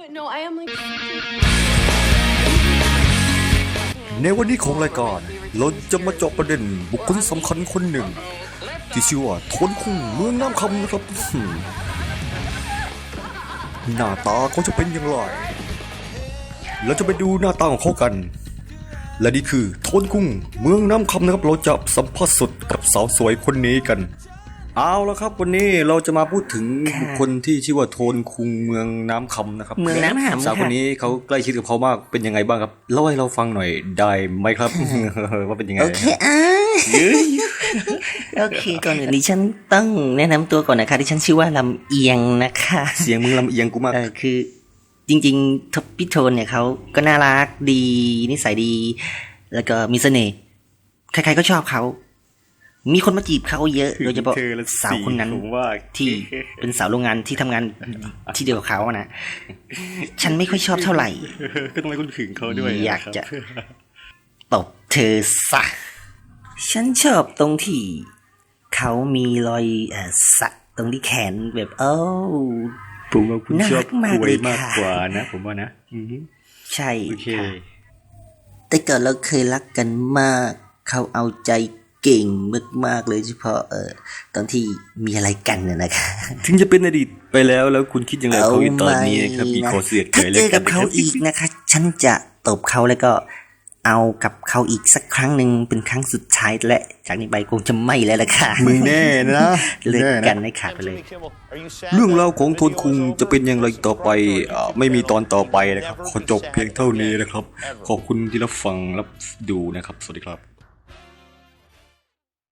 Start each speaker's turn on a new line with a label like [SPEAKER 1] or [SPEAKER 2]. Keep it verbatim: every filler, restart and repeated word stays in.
[SPEAKER 1] No, I am like.
[SPEAKER 2] ในวันนี้ของรายการเราจะมาเจาะประเด็นบุคคลสำคัญคนหนึ่งที่ชื่อว่าทนคุงเมืองน้ำคำนะครับหน้าตาเขาจะเป็นอย่างไรเราจะไปดูหน้าตาของเขากันและนี่คือทนคุงเมืองน้ำคำนะครับเราจะสัมภาษณ์สดกับสาวสวยคนนี้กันเอาละครับวันนี้เราจะมาพูดถึงบุคคลที่ชื่อว่าโทนคุงเมืองน้ำคำนะครับ
[SPEAKER 3] เมืองน้ำคำ
[SPEAKER 2] สาวคนนี้เขาใกล้ชิดกับเขามากเป็นยังไงบ้างครับเล่าให้เราฟังหน่อยได้ไหมครับ ว่าเป็นยังไง
[SPEAKER 3] โอเคอ่ะโอเคก่อนอื่นดิฉันต้องแนะนำตัวก่อนนะคะดิฉันชื่อว่าลำเอียงนะคะ
[SPEAKER 2] เสียงมึงลำเอียงกูมาก
[SPEAKER 3] เออคือจริงๆพี่โทนเนี่ยเขาก็น่ารักดีนิสัยดีแล้วก็มีเสน่ห์ใครๆก็ชอบเขามีคนมาจีบเขาเยอะโดยเฉพาะสาวคนนั้นที่เป็นสาวโรงงานที่ทำงานที่เดียวกับเขาอะนะฉันไม่ค่อยชอบเท่าไหร่
[SPEAKER 2] ก็ต้องให้คุณถึงเขาด้วย
[SPEAKER 3] อยากจะตบเธอซะฉันชอบตรงที่เขามีรอยเอ่อสักตรงที่แขนแบบเอ้า
[SPEAKER 2] ผมว่าคุณชอบกล้วยมากกว่านะผมว่านะ
[SPEAKER 3] ใช่ค่ะแต่ก่อนเราเคยรักกันมากเขาเอาใจเก่งมากๆเลยเฉพาะเอ่อตอนที่มีอะไรกันน่ะนะคะ
[SPEAKER 2] ถึงจะเป็นอดีตไปแล้วแล้วคุณคิดยังไงเขาตอนนี้ครับมีขอเสียดเกิด
[SPEAKER 3] ถ้าเจอกับเขาอีกนะคะฉันจะตบเขาแล้วก็เอากับเขาอีกสักครั้งหนึ่งเป็นครั้งสุดท้ายและจากนี้ไปคงจะไม่แล้วล่ะค่ะ
[SPEAKER 2] มึงแน่นะ
[SPEAKER 3] เลิกกันให้ขาดไปเลย
[SPEAKER 2] เรื่องราวของโทนคุงจะเป็นอย่างไรต่อไปไม่มีตอนต่อไปนะครับขอจบเพียงเท่านี้นะครับขอบคุณที่รับฟังรับดูนะครับสวัสดีครับ